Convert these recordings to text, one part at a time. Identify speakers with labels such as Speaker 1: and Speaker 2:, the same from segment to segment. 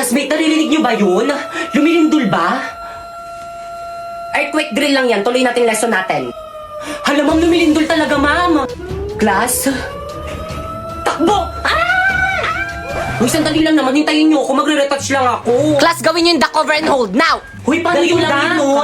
Speaker 1: Classmate, naririnig niyo ba yun? Lumilindol ba?
Speaker 2: Earthquake drill lang yan. Tuloy natin lesson natin.
Speaker 1: Hala, ma'am, lumilindol talaga, ma'am. Class? Takbo! Uy, sandali lang naman. Hintayin niyo ako. Magre-retouch lang ako.
Speaker 2: Class, gawin nyo yung duck over and hold. Now!
Speaker 1: Uy, paano
Speaker 2: Ganito
Speaker 1: yung
Speaker 2: lang
Speaker 1: duck?
Speaker 2: yun, no?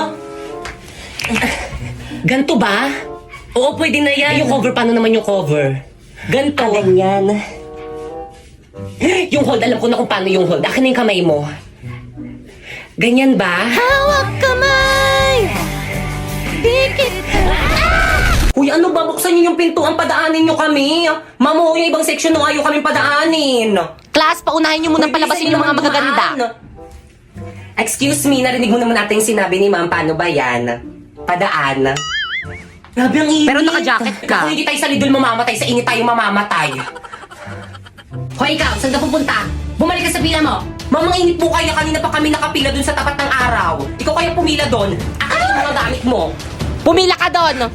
Speaker 2: Ganto ba?
Speaker 1: Oo, pwede na yan.
Speaker 2: Yung cover, paano naman yung cover? Ganto.
Speaker 1: Ganyan.
Speaker 2: Yung hold, alam ko na kung paano yung hold. Akin na yung kamay mo. Ganyan ba? Hawak kamay! Dikit!
Speaker 1: Uy, ano ba? Buksan niyo yung pintuan. Padaanin niyo kami. Ma'am, yung ibang section nung ayaw kaming padaanin.
Speaker 2: Class, paunahin nyo muna palabasin yung mga magaganda.
Speaker 1: Excuse me, narinig mo naman natin yung sinabi ni ma'am. Paano ba yan? Padaan. Grabe ang init.
Speaker 2: Pero naka-jacket ka.
Speaker 1: Kung hindi tayo sa lidol mamamatay, sa init tayo mamamatay.
Speaker 2: Hoy, ikaw, saan ka pupunta? Bumalik ka sa pila mo.
Speaker 1: Ma'am, ang init po kaya. Kanina pa kami nakapila dun sa tapat ng araw. Ikaw kaya pumila dun. Akin yung mga gamit mo.
Speaker 2: Pumila ka doon.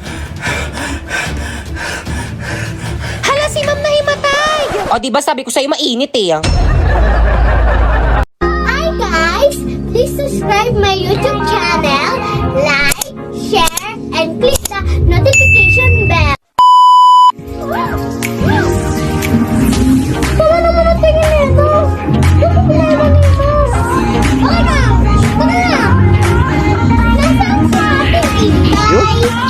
Speaker 2: Hala, si ma'am nahimatay. O, di ba sabi ko sa'yo mainit eh.
Speaker 3: Hi guys! Please subscribe my YouTube channel, like, share, and click the notification bell. Tama naman ang tingin nito! Ano problema nito? Okay na! Tara na! Nasaan sa ating ingay?